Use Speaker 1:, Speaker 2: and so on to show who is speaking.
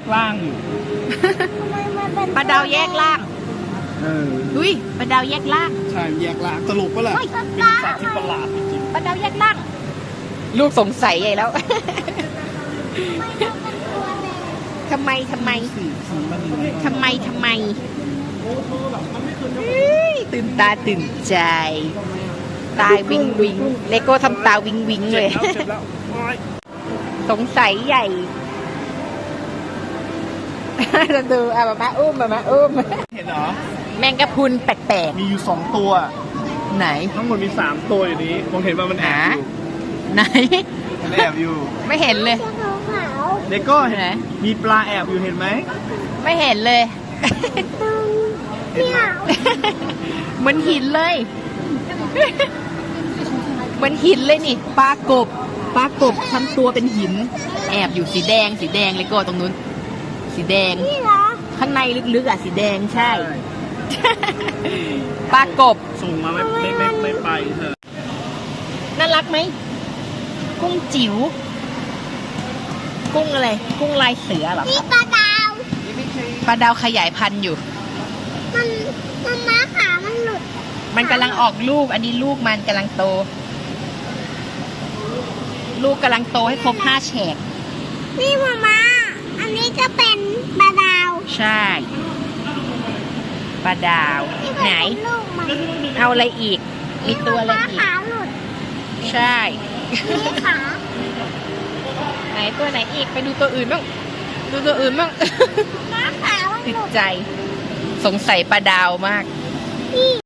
Speaker 1: ร่างอยู่
Speaker 2: ปลาดาวแยกล่าง อุ้ยปลาดาวแยกล่าง
Speaker 1: ใช่แยกร่างตลกปะล่ะเป็นสัตว์ที่ประหลาดจริง
Speaker 2: ปลาดาวแยกล่าง ลูกสงสัยใหญ่แล้วทำไม
Speaker 1: ๆสีมันยังไง
Speaker 2: ทำไมเฮ้ยตื่นตาตื่นใจ ตายวิงวิงเลโก้ทำตาวิงวิงเลย
Speaker 1: เจ็บแล้วโอ๊ย
Speaker 2: สงสัยใหญ่ เราดูมาอุ้ม
Speaker 1: เห็นเหรอ
Speaker 2: แมงกะพรุนแปลก
Speaker 1: มีอยู่2ตัว
Speaker 2: ๆ ไหน
Speaker 1: ทั้งหมดมี3ตัวอยู่นี้ผมเห็นว่ามันแอบอยู่
Speaker 2: ไหน
Speaker 1: มันแอบอยู่
Speaker 2: ไม่เห็นเลย
Speaker 1: เลโก้เห็น
Speaker 2: ไหน
Speaker 1: มีปลาแอบอยู่เห็นไหม
Speaker 2: ไม่เห็นเลย เหมือนหินเลย เหมือนหินเลยนี่ปลากบทำตัวเป็นหิน แอบอยู่สีแดงเลยก็ตรงนู้น สีแดงข้างในลึกๆอ่ะสีแดงใช่ ปลากบ
Speaker 1: ส่งมาไม่ไปเถอะ
Speaker 2: น่ารักไหมกุ้งจิ๋วกุ้งอะไรกุ้งลายเสือเหรอ
Speaker 3: นี่ปลาดาว
Speaker 2: ปลาดาวขยายพันธุ์อยู่
Speaker 3: มันม้าขามันหลุด
Speaker 2: มันกำลังออกลูก อันนี้ลูกมันกำลังโต ลูกกำลังโตให้ครบ5 แฉก
Speaker 3: นี่มาอันนี้ก็เป็นปลาดาว
Speaker 2: ใช่ ปลาดาว
Speaker 3: นี่ก็
Speaker 2: ไหน
Speaker 3: เป็นลูกมัน
Speaker 2: เอาอะไรอีก มีตัวอะไร
Speaker 3: ม้า
Speaker 2: อีก
Speaker 3: ขาหลุด
Speaker 2: ใช่
Speaker 3: นี่ขา
Speaker 2: ไหนตัวไหนอีก ไปดูตัวอื่นบ้าง ดูตัวอื่นบ้าง
Speaker 3: ม้าขามัน
Speaker 2: ติ
Speaker 3: ห
Speaker 2: ด
Speaker 3: ลุด
Speaker 2: ใจ สงสัยปลาดาวมาก
Speaker 3: นี่